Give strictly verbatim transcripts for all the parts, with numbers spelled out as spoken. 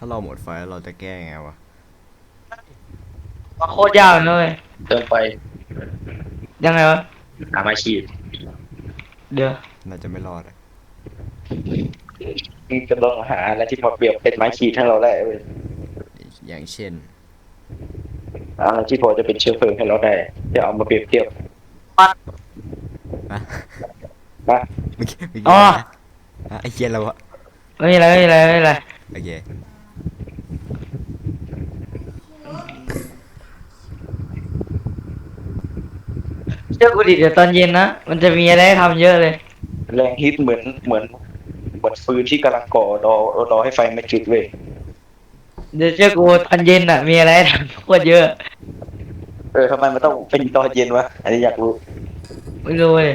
ถ้าเราหมดไฟแล้วเราจะแก้ไงวะว่าโคตรยากเลยเติมไปยังไงวะหาไม้ขีดเดี๋ยวน่าจะไม่รอดอะมึงจะลองหาอะไรที่พอเปรียบเป็นไม้ขีดให้เราได้เว้ยอย่างเช่นอะไรที่พอจะเป็นเชื้อเพลิงให้เราได้จะเอามาเปรียบเทียบอะนะเมื่อกี้เมื่ออ๋กี้ออะไรนะฮะไอ้เหี้ยเราอะไม่มีอะไรไม่มีอะไรไม่มีอะไรโอเคเชื่อกูดิเดี๋ยวตอนเย็นนะมันจะมีอะไรให้ทำเยอะเลยแรงฮิตเหมือนเหมือนเหมือนฟืนที่กำลังก่อรอรอให้ไฟมาจุดเว้ยเดี๋ยวเชื่อกูตอนเย็นอ่ะมีอะไรให้ทำโคตรเยอะเออทำไมมันต้องเป็นตอนเย็นวะอันนี้อยากรู้ไม่รู้เลย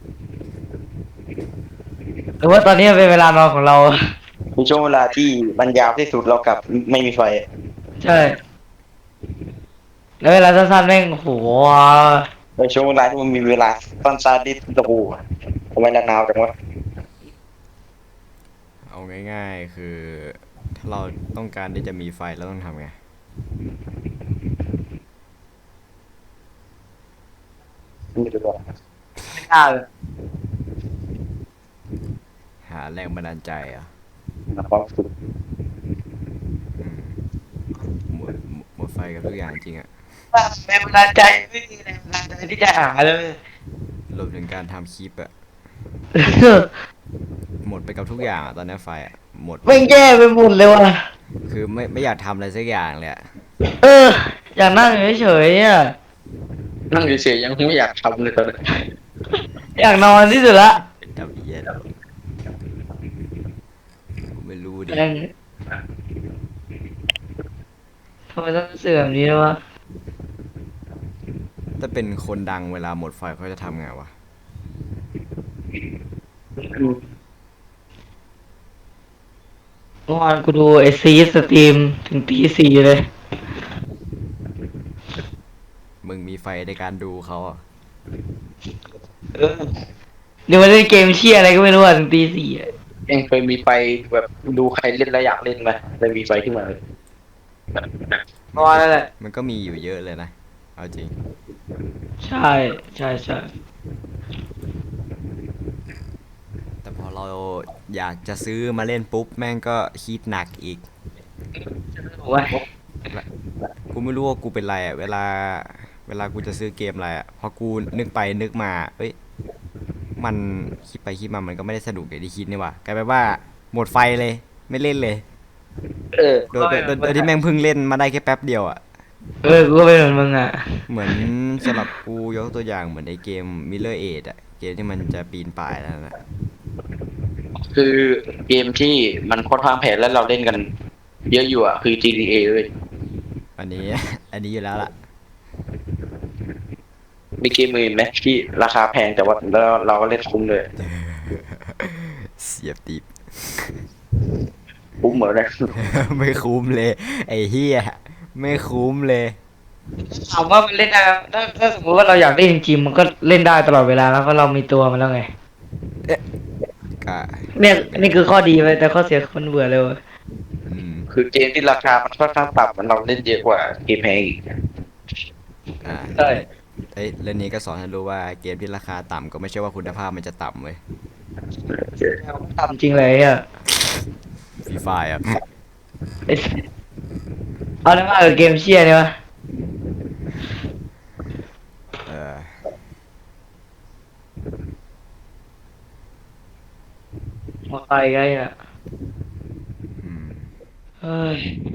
หรือว่าตอนนี้เป็นเวลานอนของเรามีช่วงเวลาที่มันยาวที่สุดเรากลับไม่มีไฟใช่แล้วเวลาสั้นๆแม่งโหในช่วงเวลาที่มันมีเวลาสั้นๆที่โอ้โหทำไมนานๆจังวะเอาง่ายๆคือถ้าเราต้องการที่จะมีไฟเราต้องทำไงไม่รู้ว่าไม่กล้าเลยหาแรงบันดาลใจเหรอ่ะความสุขอืมหมดหมดหมดไฟกับทุกอย่างจริงอะแรงบันดาลใจไม่มีแรงบันดาลใจที่จะหาเลยรวมถึงการทำคลิปอะหมดไปกับทุกอย่างอะตอนนี้ไฟอะหมดไม่งแย่ไปหมดเลยว่ะคือไม่ไม่อยากทำอะไรสักอย่างเลยอะเอออยากนั่งเฉยๆอ่ะนั่งเฉยๆยังไม่อยากทำเลยตอนนี้อยากนอนที่สุดละทำเหี้ยอะไรไม่รู้ดิแม่งทำไมต้องเสื่อมนี้ด้วยวะถ้าเป็นคนดังเวลาหมดไฟเขาจะทำไงวะเมื่อวานกูดูไอซีสตรีมถึงตีสี่เลยมึงมีไฟในการดูเขาอ่ะเออเดี๋ยวมาเล่นเกมเชี่ยอะไรก็ไม่รู้อ่ะถึงตีสี่อ่ะเองเคยมีไฟแบบดูใครเล่นแล้วอยากเล่นไหมเลยมีไฟขึ้นมาเลยเมื่อวานนั่นแหละมันก็มีอยู่เยอะเลยนะเอาจริงใช่ใช่ใช่แต่พอเราอยากจะซื้อมาเล่นปุ๊บแม่งก็คิดหนักอีกโอ้ยและกูไม่รู้ว่ากูเป็นไรอ่ะเวลาเวลากูจะซื้อเกมอะไรอ่ะพอกูนึกไปนึกมาเอ้ยมันคิดไปคิดมามันก็ไม่ได้สนุกอย่างที่คิดนี่หว่ากลายเป็นว่าหมดไฟเลยไม่เล่นเลยเออโดยโดยโดยโดยที่แม่งเพิ่งเล่นมาได้แค่แป๊บเดียวอ่ะเออกูก็เป็นเหมือนมึงอ่ะเหมือนสำหรับกูยกตัวอย่างเหมือนในเกม Mirror Edge อะเกมที่มันจะปีนป่ายแล้วนะคือเกมที่มันค่อนข้างแพงแล้วเราเล่นกันเยอะอยู่อ่ะคือ จี ที เอ เลยอันนี้ อันนี้อยู่แล้วล่ะมีเกมอื่นไหมที่ราคาแพงแต่ว่าแล้วเราก็เล่นคุ้มเลยเสียบติบคุ้มเหมือนกันไม่คุ้มเลยไอ้เฮียไม่คุ้มเลยถามว่ามันเล่นได้ไหมถ้าถ้าสมมติว่าเราอยากเล่นจริงๆมันก็เล่นได้ตลอดเวลาแล้วเพราะเรามีตัวมันแล้วไงกะเนี่ยนี่คือข้อดีไปแต่ข้อเสียคือมันเบื่อเลยเว้ยอืมคือเกมที่ราคามันค่อนข้างต่ำมันเราเล่นเยอะกว่าเกมแพงอีกอ่าใช่และเอ้ยเรื่องนี้ก็สอนให้รู้ว่าเกมที่ราคาต่ำก็ไม่ใช่ว่าคุณภาพมันจะต่ำเว้ยทำจริงเลยอ่ะฟรีไฟอ่ะไอ้เอาได้มากกับเกมเชียร์เนี่ยวะเออมาไปไงอ่ะอืมเฮ้ย